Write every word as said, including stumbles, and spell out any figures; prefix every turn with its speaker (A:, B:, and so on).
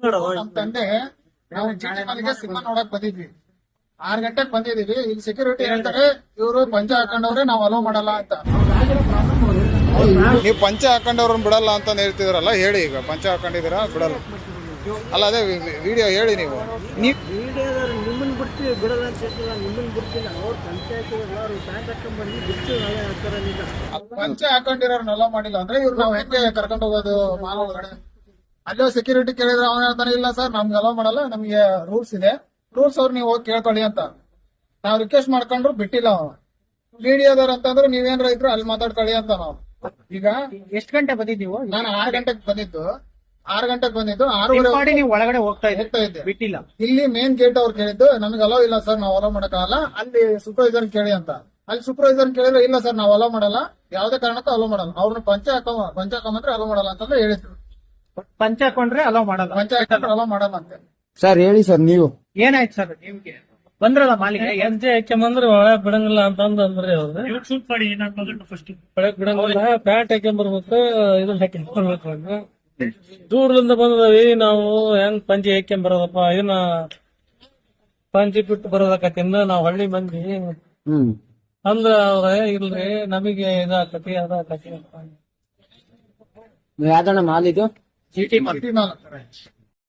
A: ನಮ್ ತಂದೆ ನಾವು ಚೀಟಿ ಮನೆಗೆ ಸಿನಿಮಾ ನೋಡಕ್ ಬಂದಿದ್ವಿ. ಆರ್ ಗಂಟೆಗೆ ಬಂದಿದೀವಿ. ಇಲ್ಲಿ ಸೆಕ್ಯೂರಿಟಿ ಹೇಳ್ತಾರೆ ಇವರು ಪಂಚ ಹಾಕೊಂಡವ್ರೆ ನಾವ್ ಅಲೋ ಮಾಡಲ್ಲ ಅಂತ.
B: ನೀವು ಪಂಚ ಹಾಕೊಂಡವ್ರನ್ನ ಬಿಡಲ್ಲ ಅಂತ ಹೇಳ್ತಿದ್ರಲ್ಲ, ಹೇಳಿ ಈಗ ಪಂಚ ಹಾಕೊಂಡಿದ್ದೀರಾ ಬಿಡಲ್ಲ ಅಲ್ಲ, ಅದೇ ವಿಡಿಯೋ ಹೇಳಿ ನೀವು. ನೀವು
C: ನಿಮ್ಮನ್ನ ಬಿಡ್ತೀವಿ ಬಿಡಲ್ಲ ಅಂತ ಹೇಳ್ತಿಲ್ಲ, ನಿಮ್ಮನ್ನ ಬಿಡ್ತಿಲ್ಲ. ಅವ್ರು ಪಂಚಾಯತ್ ಎಲ್ಲರೂ ಪ್ಯಾಂಟ್ ಹಾಕೊಂಡ್ ಬಂದು ಬಿಡ್ತೀವಿ ನಾವೇ ಹಾಕ್ತಾರ.
A: ಪಂಚ ಹಾಕೊಂಡಿರೋರ್ನ ಅಲೋ ಮಾಡಿಲ್ಲ ಅಂದ್ರೆ ಇವ್ರು ನಾವ್ ಹೆಂಗೆ ಕರ್ಕೊಂಡು ಹೋಗೋದು ಮಾಲ್ ಒಳಗಡೆ? ಅಲ್ಲೋ ಸೆಕ್ಯೂರಿಟಿ ಕೇಳಿದ್ರೆ ಅವನ ಹೇಳ್ತಾನೆ ಇಲ್ಲ ಸರ್ ನಮ್ಗೆ ಅಲೋ ಮಾಡಲ್ಲ, ನಮ್ಗೆ ರೂಲ್ಸ್ ಇದೆ, ರೂಲ್ಸ್ ಅವ್ರು ನೀವು ಹೋಗಿ ಕೇಳ್ಕೊಳ್ಳಿ ಅಂತ. ನಾವ್ ರಿಕ್ವೆಸ್ಟ್ ಮಾಡ್ಕೊಂಡ್ರು ಬಿಟ್ಟಿಲ್ಲ ಅವನು. ಮೀಡಿಯಾದವ್ರ ಅಂತಂದ್ರೆ ನೀವೇನ್ರ ಇದ್ರು ಅಲ್ಲಿ ಮಾತಾಡ್ಕೊಳ್ಳಿ ಅಂತ ನಾವು. ಈಗ
C: ಎಷ್ಟು ಗಂಟೆ ಬಂದಿದ್ದೀವೋ?
A: ನಾನು ಆರ್ ಗಂಟೆಗೆ ಬಂದಿದ್ದು ಆರ್ ಗಂಟೆಗೆ ಬಂದಿದ್ದು ಆರೂವರೆ
C: ನೀವು ಒಳಗಡೆ ಹೋಗ್ತಾ
A: ಹೋಗ್ತಾ ಇದ್ದೆ.
C: ಬಿಟ್ಟಿಲ್ಲ.
A: ಇಲ್ಲಿ ಮೇನ್ ಗೇಟ್ ಅವ್ರು ಕೇಳಿದ್ದು ನಮ್ಗೆ ಅಲೋ ಇಲ್ಲ ಸರ್ ನಾವ್ ಅಲೋ ಮಾಡಕ್ಕಾಗಲ್ಲ, ಅಲ್ಲಿ ಸೂಪರ್ವೈಸರ್ ಕೇಳಿ ಅಂತ. ಅಲ್ಲಿ ಸೂಪರ್ವೈಸರ್ ಕೇಳಿದ್ರೆ ಇಲ್ಲ ಸರ್ ನಾವ್ ಅಲೋ ಮಾಡಲ್ಲ, ಯಾವ್ದೇ ಕಾರಣಕ್ಕೂ ಅಲೋ ಮಾಡಲ್ಲ, ಅವ್ರನ್ನ ಪಂಚ ಹಾಕೋ ಪಂಚ ಹಾಕೊಂಬಂದ್ರೆ ಅಲೋ ಮಾಡಲ್ಲ ಅಂತಂದ್ರೆ ಹೇಳಿದ್ರು.
C: ಪಂಚ ಹಾಕೊಂಡ್ರೆ ಅಲೋ ಮಾಡಲ್ಲ,
A: ಪಂಚ ಹಾಕೊಂಡ್ರೆ ಅಲೋ ಮಾಡಲ್ಲ ಅಂತ.
D: ಸರ್ ಹೇಳಿ ಸರ್ ನೀವು.
C: ಏನಾಯ್ತು ಸರ್ ನಿಮ್ಗೆ? ಬಂದ್ರಲ್ಲ ಮಾಲೀಕ
E: ಪಂಚೆ ಹಾಕ್ಯಂಬಂದ್ರೆ ಒಳಗ್ ಬಿಡಂಗಿಲ್ಲ ಅಂತಂದ್ ಅಂದ್ರೆ ಅವ್ರು ಒಳಗ್ ಬಿಡಂಗಿಲ್ಲ, ಪ್ಯಾಂಟ್ ಹಾಕ್ಯಂಬರ್ಬೇಕು, ಇದನ್ನ ಹಾಕ್ಯಂಬರ್ಬೇಕು ಅಂತ. ದೂರದಿಂದ ಬಂದದವಿ ನಾವು ಹೆಂಗ್ ಪಂಚೆ ಹಾಕ್ಯಂಬರೋದಪ್ಪ, ಇದನ್ನ ಪಂಚೆ ಬಿಟ್ಟು ಬರೋದಕ್ಕತ್ತಿಂದ ನಾವ್ ಹಳ್ಳಿ ಮಂದಿ
D: ಹ್ಮ್
E: ಅಂದ್ರ ಅವ್ರ ಇಲ್ರಿ ನಮಗೆ ಇದಾಕತಿ ಅದಾಕತಿ ಅಂತ.
D: ಯಾವ್ದಣ್ಣ ಮಾಲ್ ಇದು?
C: ಚೀಟಿ
A: ಚೀಟಿ ಮಾಲ್.